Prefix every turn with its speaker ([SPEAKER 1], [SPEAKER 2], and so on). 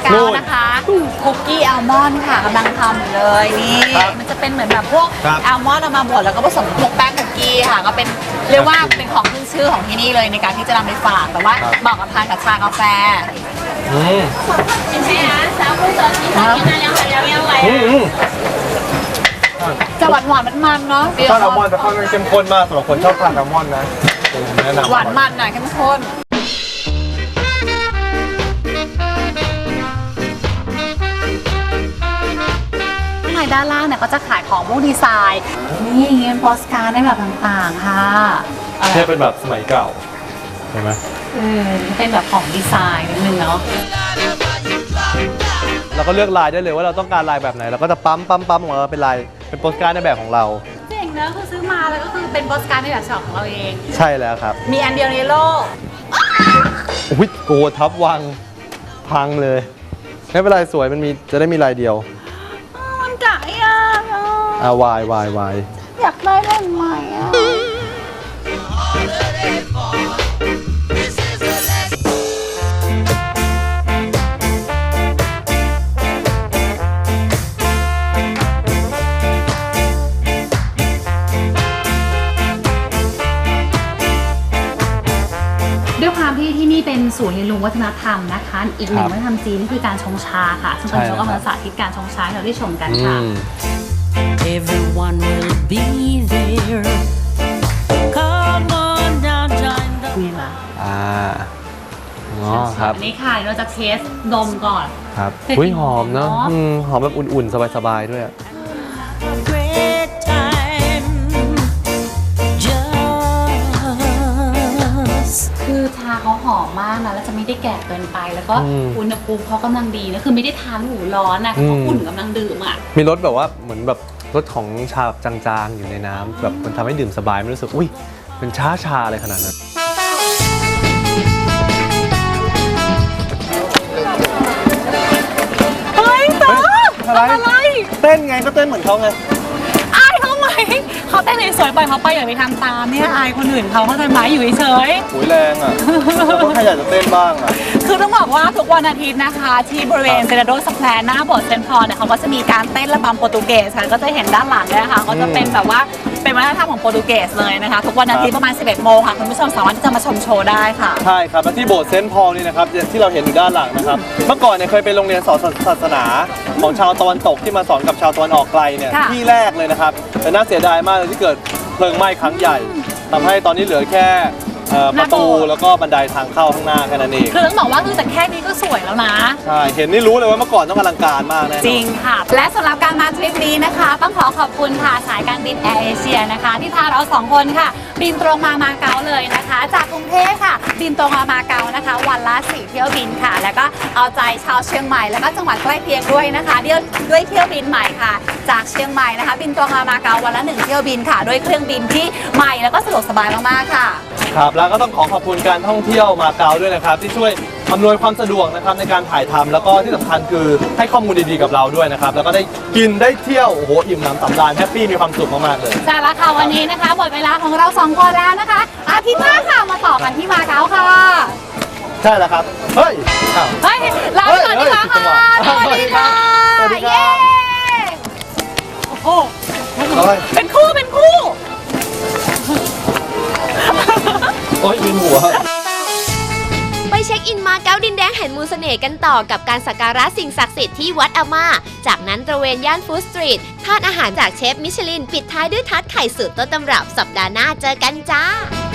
[SPEAKER 1] เกานะคะคุกกี้อัลมอนด์ค่ะกำลังทำอยู่เลยนี่มันจะเป็นเหมือนแบบพวกอัลมอนด์เอามาบดแล้วก็ผสมพวกแป้งคุกกี้ค่ะก็เป็นเรียกว่าเป็นของขึ้นชื่อของที่นี่เลยในการที่จะนำไปฝากแต่ว่าเหมาะกับทานกับชากาแฟจะหวานมันๆเนาะ
[SPEAKER 2] ชอบอัลมอนด์แต่ค่อนข้างเข้มข้นมากสำหรับคนชอบทานอัลมอนด์นะแนะนำ
[SPEAKER 1] หวานมันหน่อยเข้มข้นในด้านล่างเนี่ยก็จะขายของพวกดีไซน์นี่เงินโปสการ์ดได้แบบต่างๆค่ะ
[SPEAKER 2] แค่เป็นแบบสมัยเก่าใช่ไหม
[SPEAKER 1] เป็นแบบของดีไซน์นิดนึงเนาะ
[SPEAKER 2] เราก็เลือกลายได้เลยว่าเราต้องการลายแบบไหนเราก็จะปั๊มออกมาเป็นลายเป็นโปสการ์ดในแบบของเรา
[SPEAKER 1] เจ๋งนะคือซื้อมาแล้วก็คือเป็นโปสการ์ดในแบบฉบับของเราเอง
[SPEAKER 2] ใช่แล้วครับ
[SPEAKER 1] มีอันเดียวในโลก
[SPEAKER 2] อุ้ยโกทับวังพังเลยไม่เป็นไรสวยมันมีจะได้มีลายเดียว
[SPEAKER 1] มันกะยาก
[SPEAKER 2] วาย
[SPEAKER 1] อยากได้เล่นใหม่ด้วยความที่นี่เป็นศูนย์เรียนรู้วัฒนธรรมนะคะอีกหนึ่งวัฒนธรรมจีนนี่คือการชงชาค่ะซึ่งตอนนี้เราก็มาสาธิตการชงชาให้เราได้ชมกันค่ะ
[SPEAKER 3] Everyone will be there. Come on down, join the
[SPEAKER 1] นี่ละ
[SPEAKER 2] ครับ
[SPEAKER 1] อันนี้ค่ะเราจะเทสดมก่อน
[SPEAKER 2] ครับอุ้ยหอมเนาะหอมแบบอุ่นๆสบายๆด้วย
[SPEAKER 3] great time. Just
[SPEAKER 1] คือชาเขาหอมมากนะแล้วจะไม่ได้แก่เกินไปแล้วก็อุณหภูมิเขากำลังดีนะคือไม่ได้ทานหูร้อนนะเขาอุ่นกำลังดื่มอ่ะ
[SPEAKER 2] มีรสแบบว่าเหมือนแบบรสของชาแบบจางๆอยู่ในน้ำแบบมันทำให้ดื่มสบายไม่รู้สึกอุ้ยเป็นชาอะไรขนาดนั้น
[SPEAKER 1] เฮ้ยต๊อบอะไร
[SPEAKER 2] เต้นไงก็เต้นเหมือนเขาไง
[SPEAKER 1] อายเขาไหมเขาเต้นสวยๆปล่อยเขาไปอย่าไปทำตามเนี่ยอายคนอื่นเขาใจไหมอยู่เฉย
[SPEAKER 2] ๆโอ้ยแรงอ่ะแล้วก็ใครอยากจะเต้นบ้างอ่ะ
[SPEAKER 1] คือต้องบอกว่าทุกวันอาทิตย์นะคะที่บริเวณเซราโดสแควร์หน้าโบสถ์เซนต์พอลเนี่ยเขาก็จะมีการเต้นระบำโปรตุเกสค่ะก็จะเห็นด้านหลังเลยค่ะก็จะเป็นแบบว่าเป็นวัฒนธรรมของโปรตุเกสเลยนะคะทุกวันอาทิตย์ประมาณ 11 โมงค่ะคุณผู้ชมสามารถที่จะมาชมโชว์ได้ค่ะ
[SPEAKER 2] ใช่ครับและที่โบสถ์เซนต์พอลนี่นะครับที่เราเห็นอยู่ด้านหลังนะครับเมื่อก่อนเนี่ยเคยเป็นโรงเรียนสอนศาสนาของชาวตะวันตกที่มาสอนกับชาวตะวันออกไกลเนี่ยที่แรกเลยนะครับแต่น่าเสียดายมากเลยที่เกิดเพลิงไหม้ครั้งใหญ่ทำให้ตอนนี้เหลือแค่ประตูแล้วก็บันไดทางเข้าข้างหน้าแค่นั้นเอง
[SPEAKER 1] คือต้องบอกว่าคือแต่แค่นี้ก็สวยแล้วนะ
[SPEAKER 2] ใช่เห็นนี่รู้เลยว่าเมื่อก่อนต้องอลังการมากแน่
[SPEAKER 1] จริงค่ะและสำหรับการมาทริปนี้นะคะต้องขอบคุณค่ะสายการบินแอร์เอเชียนะคะที่พาเรา2 คนค่ะบินตรงมาเก๊าเลยนะคะจากกรุงเทพค่ะบินตรงมาเก๊านะคะวันละ4 เที่ยวบินค่ะแล้วก็เอาใจชาวเชียงใหม่แล้วก็จังหวัดใกล้เคียงด้วยนะคะด้วยเที่ยวบินใหม่ค่ะจากเชียงใหม่นะคะบินตรงมาเก๊าวันละ1 เที่ยวบินค่ะด้วยเครื่องบินที่ใหม่แล้วก็สะดวกสบายมากๆค่ะ
[SPEAKER 2] ครับแล้วก็ต้องขอบคุณการท่องเที่ยวมาเก๊าด้วยนะครับที่ช่วยอำนวยความสะดวกนะครับในการถ่ายทำแล้วก็ที่สำคัญคือให้ข้อมูลดีๆกับเราด้วยนะครับแล้วก็ได้กินได้เที่ยวโอ้โหอิ่มหนำสำราญแฮปปี้มีความสุขมากๆเลย
[SPEAKER 1] ใช่แล้วค่ะวันนี้นะคะหมดเวลาของเรา2 คนแล้วนะคะอาทิตย์หน้าค่ะมาต่อกันที่มาเก๊าค่ะ
[SPEAKER 2] ใช่แล้วครับเฮ้ย
[SPEAKER 1] ลาไปก่อนดีกว่าค่ะสวัสดีค่ะเย้โอ้โหเป็นคู่
[SPEAKER 2] โอ้ยวินหัว
[SPEAKER 4] ไปเช็คอินมาเก๊าดินแดงแห่งมูลเสน่ห์กันต่อกับการสักการะสิ่งศักดิ์สิทธิ์ที่วัดอาม่าจากนั้นตระเวนย่านฟู้ดสตรีททานอาหารจากเชฟมิชลินปิดท้ายด้วยทาร์ตไข่สูตรต้นตำรับสัปดาห์หน้าเจอกันจ้า